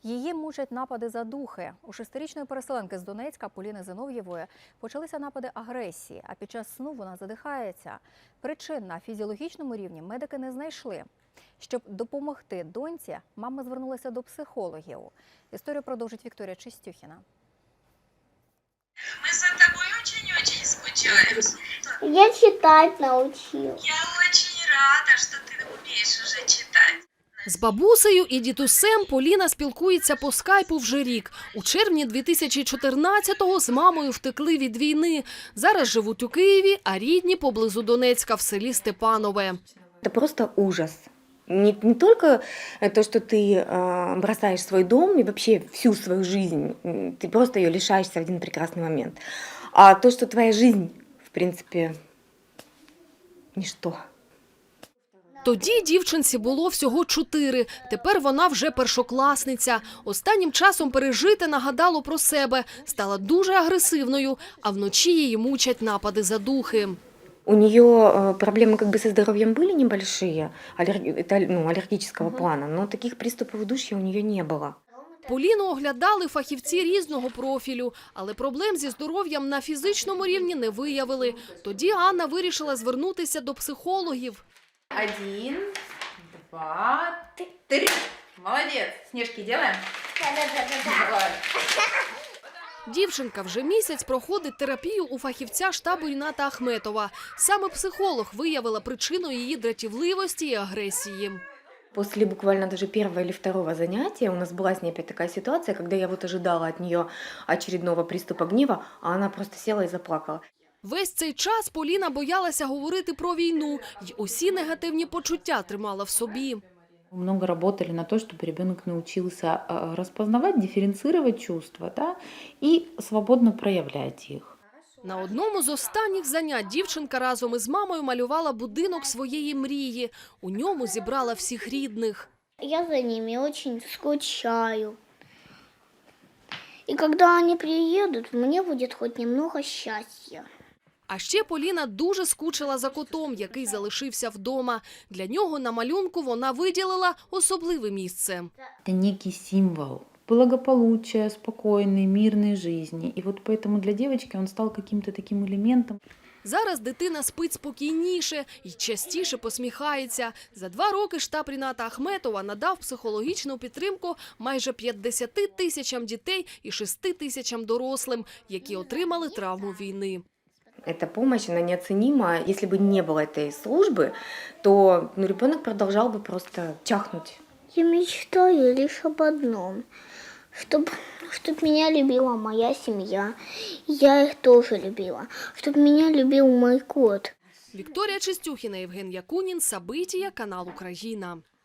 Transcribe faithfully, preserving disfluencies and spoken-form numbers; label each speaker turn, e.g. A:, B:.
A: Її мучать напади задухи. У шестирічної переселенки з Донецька Поліни Зинов'євої почалися напади агресії, а під час сну вона задихається. Причин на фізіологічному рівні медики не знайшли. Щоб допомогти доньці, мама звернулася до психологів. Історію продовжить Вікторія Чистюхіна.
B: Мы за тобой очень-очень скучаем.
C: Я читать научилась.
B: Я очень рада, что ты умеешь уже читать.
D: З бабусею і дідусем Поліна спілкується по скайпу вже рік. У червні дві тисячі чотирнадцятого з мамою втекли від війни. Зараз живуть у Києві, а рідні поблизу Донецька в селі Степанове.
E: Это просто ужас. Не, не только то, что ты э, бросаешь свой дом и вообще всю свою жизнь, ты просто ее лишаешься в один прекрасный момент, а то, что твоя жизнь, в принципе, ничто.
D: Тоді дівчинці було всього чотири, тепер вона вже першокласниця. Останнім часом пережити нагадало про себе, стала дуже агресивною, а вночі її мучать напади задухи.
E: У нее проблемы как бы со здоровьем были небольшие, это, ну, аллергического плана, но таких приступов удушья у нее не было.
D: Поліну оглядали фахівці різного профілю, але проблем зі здоров'ям на фізичному рівні не виявили. Тоді Анна вирішила звернутися до психологів.
F: Один, два, три. Молодец. Снежки делаем?
C: Да-да-да-да.
D: Дівчинка вже місяць проходить терапію у фахівця штабу Ріната Ахметова. Саме психолог виявила причину її дратівливості і агресії.
E: После буквально даже первого или второго занятия у нас была с ней опять такая ситуация, когда я вот ожидала от нее очередного приступа гнева, а она просто села и заплакала.
D: Весь цей час Поліна боялася говорити про війну й усі негативні почуття тримала в собі.
G: Много работали на то, чтобы ребенок научился распознавать, дифференцировать чувства, да, и свободно проявлять их.
D: На одному з останніх занять дівчинка разом із мамою малювала будинок своєї мрії. У ньому зібрала всіх рідних.
C: Я за ними очень скучаю. И когда они приедут, мне будет хоть немного счастья.
D: А ще Поліна дуже скучила за котом, який залишився вдома. Для нього на малюнку вона виділила особливе місце.
G: Это некий символ благополучия, спокойной, мирной жизни. И вот поэтому для девочки он стал каким-то таким элементом.
D: Зараз дитина спить спокійніше і частіше посміхається. За два роки штаб Ріната Ахметова надав психологічну підтримку майже п'ятдесяти тисячам дітей і шести тисячам дорослим, які отримали травму війни.
E: Эта помощь, она неоценима. Если бы не было этой службы, то ну, ребенок продолжал бы просто чахнуть.
C: Я мечтаю лишь об одном, чтобы чтоб меня любила моя семья. Я их тоже любила. Чтобы меня любил мой кот.
D: Вікторія Чистюхіна, Євген Якунін, Сабитія, канал Україна.